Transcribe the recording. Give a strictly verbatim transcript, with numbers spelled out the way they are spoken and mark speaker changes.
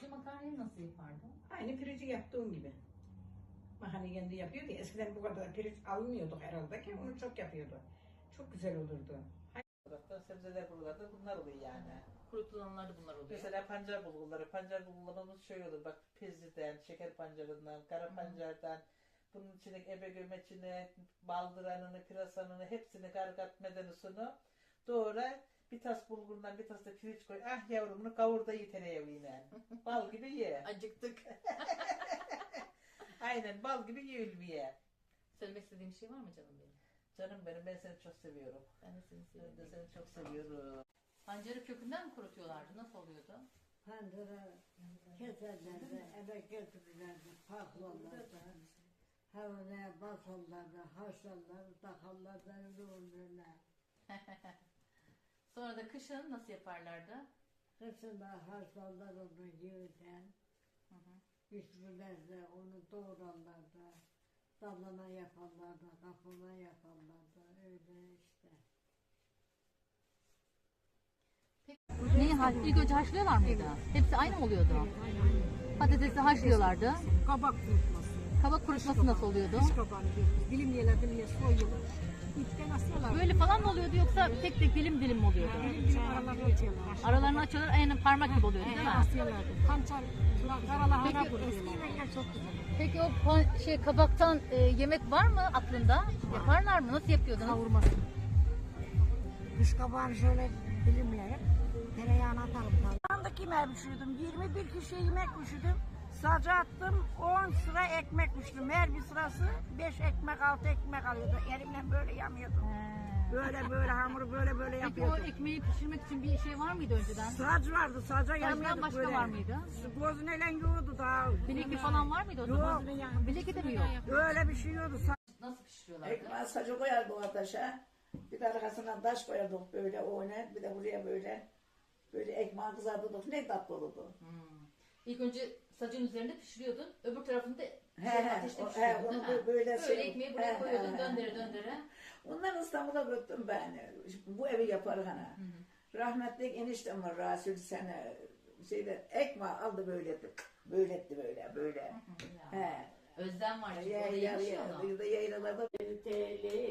Speaker 1: Piriçli makarnayı nasıl yapardın?
Speaker 2: Aynı pirinci yaptığım gibi. Makarna kendi yapıyordu ya. Eskiden bu kadar pirinç almıyorduk herhalde ki onu çok yapıyordu. Çok güzel olurdu.
Speaker 3: Taraftan sebzeler buralarda bunlar oluyor yani.
Speaker 1: Kurutulanlar da bunlar oluyor.
Speaker 3: Mesela pancar bulgurları, pancar bulgurlarımız şöyle olur bak pezliden, şeker pancarından, kara
Speaker 1: Hı.
Speaker 3: pancardan, bunun içine ebe gömeçini, baldıranını, pırasanını hepsini kargat medenusunu doğra bir tas bulgurundan bir tas da pirinç koy. Ah yavrumunu kavur da ye tereyağıyla. Bal gibi ye.
Speaker 1: Acıktık.
Speaker 3: Aynen bal gibi ye Ülviye.
Speaker 1: Söylemek istediğim bir şey var mı canım benim?
Speaker 3: Canım benim ben seni çok seviyorum.
Speaker 1: Ben de seni
Speaker 3: Ben
Speaker 1: seviyorum.
Speaker 3: de seni çok seviyorum.
Speaker 1: Pancarı kökünden mi kurutuyorlardı? Nasıl oluyordu?
Speaker 4: Pandıra keserlerdi, eve götürürlerdi, paklarlardı. Havaya basarlardı, haşlarlardı, takarlardı, öyle olurlar.
Speaker 1: Sonra da kışın nasıl yaparlardı?
Speaker 4: Kışında haşlarlar onu yiyden,
Speaker 1: Hı hı.
Speaker 4: pişirirlerdi, onu doğrarlardı. Dalına yaparlardı, kapına yaparlardı, öyle işte.
Speaker 1: Neyi haş? İlk önce haşlıyorlar mıydı? Hepsi aynı mı oluyordu? Patatesi haşlıyorlardı.
Speaker 5: Kabak kurutması.
Speaker 1: Kabak kurutması nasıl oluyordu?
Speaker 5: Kış kabağını diyoruz. Dilimleyeler dilimleye soyulur. İpten asıyorlar.
Speaker 1: Böyle falan mı oluyordu yoksa tek tek dilim dilim mi oluyordu?
Speaker 5: Dilim dilim aralarını açıyorlar.
Speaker 1: Aralarını açıyorlar, aynen parmak gibi oluyordu değil mi?
Speaker 5: Asıyorlardı. Pançar, karalahana
Speaker 1: Peki-
Speaker 5: kurutuyorlar. Çok güzel.
Speaker 1: Peki o pan- şey kabaktan e, yemek var mı aklında? Yaparlar mı? Nasıl yapıyordunuz?
Speaker 5: Kavurması. Kış kabağını şöyle dilimleyip tereyağına atarım. Andaki yemeği pişirdim. yirmi bir kişiye yemek pişirdim. Sadece attım on sıra ekmek pişirdim. Her bir sırası beş ekmek altı ekmek alıyordu. Elimle böyle yamıyordum. Böyle böyle hamuru böyle böyle
Speaker 1: Peki o
Speaker 5: yapıyordum.
Speaker 1: ekmeği pişirmek için bir şey var mıydı önceden?
Speaker 5: Saç vardı, saca yamıyorduk
Speaker 1: başka
Speaker 5: böyle.
Speaker 1: var mıydı?
Speaker 5: Gözüneyle yoğurdu daha.
Speaker 1: Bileki falan var mıydı o zaman?
Speaker 5: Yok.
Speaker 1: Bileki de mi yok?
Speaker 5: Öyle bir şey yiyordu.
Speaker 1: Nasıl pişiriyorlardı?
Speaker 2: Ekmeği sacı koyardık ateşe. Bir de arkasından taş koyardık böyle oynar. Bir de buraya böyle böyle ekmeği kızartırdık. Ne tatlı olurdu.
Speaker 1: Hmm. İlk önce sacın üzerinde pişiriyordun, öbür tarafında
Speaker 2: He,
Speaker 1: şey,
Speaker 2: he,
Speaker 1: ateşte
Speaker 2: o- he,
Speaker 1: pişiriyordun
Speaker 2: onu
Speaker 1: değil mi?
Speaker 2: böyle- böyle
Speaker 1: Böyle
Speaker 2: şey-
Speaker 1: ekmeği buraya
Speaker 2: he,
Speaker 1: koyuyordun,
Speaker 2: he, he.
Speaker 1: döndere döndere.
Speaker 2: Ondan İstanbul'a götürdüm ben. Bu evi yaparız hani. Rahmetli eniştem var Rasul sene şeyde ekmeği aldı böyle etti. Böyle etti böyle böyle.
Speaker 1: Ya.
Speaker 2: He.
Speaker 1: Özlem var çünkü
Speaker 2: Ya
Speaker 1: orada
Speaker 2: ya
Speaker 1: yemiş
Speaker 2: ya.
Speaker 1: ya onu.
Speaker 2: Bir de yaylalarda
Speaker 4: Teli